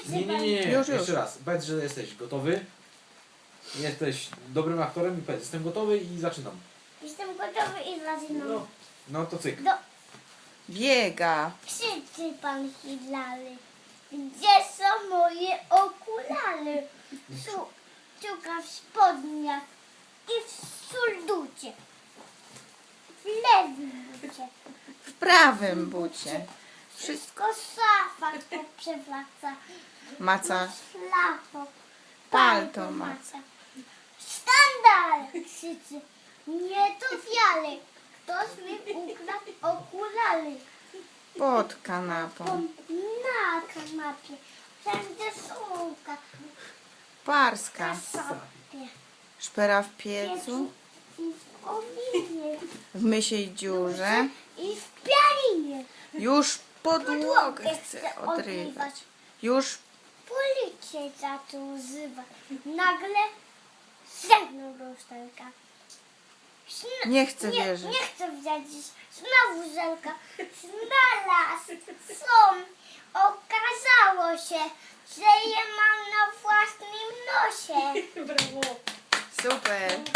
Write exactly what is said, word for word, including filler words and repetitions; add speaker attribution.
Speaker 1: Nie, nie, nie, nie.
Speaker 2: Już, już.
Speaker 1: Jeszcze raz. Powiedz, że jesteś gotowy. Jesteś dobrym aktorem i powiedz, jestem gotowy i zaczynam.
Speaker 3: Jestem gotowy i zaczynam.
Speaker 1: No, no to cyk.
Speaker 3: Do,
Speaker 2: Biega.
Speaker 3: krzyczy pan Hilary. Gdzie są moje okulary? Szu, szuka w spodniach i w surducie. W lewym bucie.
Speaker 2: W prawym bucie.
Speaker 3: Wszystko szafa przewraca.
Speaker 2: Maca.
Speaker 3: Szlafo.
Speaker 2: Palto ma.
Speaker 3: maca. Skandal! Krzyczy. Nie to wiale. Ktoś mi ukradł okulary.
Speaker 2: Pod kanapą.
Speaker 3: Na kanapie. Wszędzie słomka.
Speaker 2: Parska.
Speaker 3: Kasapie.
Speaker 2: Szpera w piecu.
Speaker 3: I w kominie.
Speaker 2: W mysiej dziurze.
Speaker 3: I w pianinie.
Speaker 2: Już podłogę chce odrywać. Już
Speaker 3: Policję zaczął wzywać. Nagle zewnął lusterka. Zna-
Speaker 2: nie chce
Speaker 3: nie,
Speaker 2: wierzyć.
Speaker 3: nie chcę wiedzieć. Znowu żelka. Znalazł. Są. Okazało się, że je mam na własnym nosie.
Speaker 2: Super.